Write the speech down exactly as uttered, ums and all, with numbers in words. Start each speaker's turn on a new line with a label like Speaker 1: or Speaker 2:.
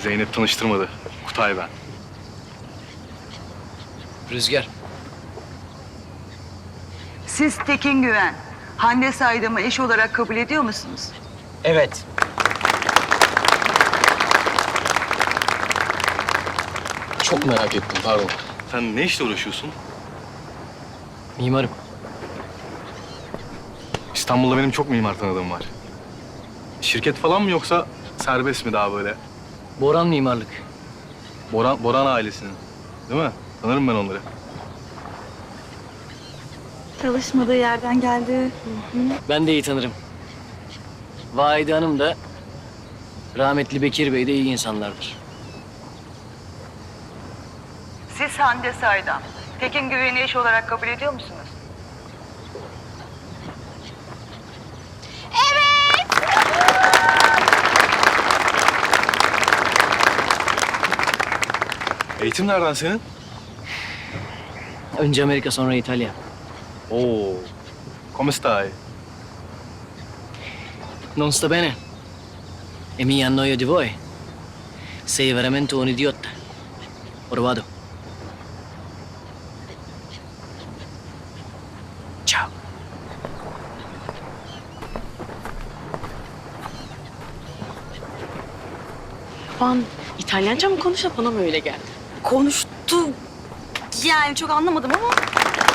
Speaker 1: Zeynep tanıştırmadı. Kutay ben.
Speaker 2: Rüzgar.
Speaker 3: Siz Tekin Güven, Hande Saydam'ı eş olarak kabul ediyor musunuz?
Speaker 2: Evet.
Speaker 1: Çok merak ettim, pardon. Sen ne işle uğraşıyorsun?
Speaker 2: Mimarım.
Speaker 1: İstanbul'da benim çok mimar tanıdığım var. Şirket falan mı yoksa serbest mi daha böyle?
Speaker 2: Boran mimarlık.
Speaker 1: Boran, Boran ailesinin. Değil mi? Tanırım ben onları.
Speaker 4: Çalışmadığı yerden geldi.
Speaker 2: Ben de iyi tanırım. Vahide Hanım da rahmetli Bekir Bey de iyi insanlardır.
Speaker 3: Siz Hande Saydam, Tekin Güven'i eş olarak kabul ediyor musunuz?
Speaker 1: Eğitim nereden senin?
Speaker 2: Önce Amerika sonra İtalya.
Speaker 1: Oo. Come stai?
Speaker 2: Non sta bene. E mi annoio di voi. Sei veramente un idiota. Ora vado. Ciao.
Speaker 5: Van İtalyanca mı konuşuyor, bana mı öyle geldi?
Speaker 4: Konuştu. Yani çok anlamadım ama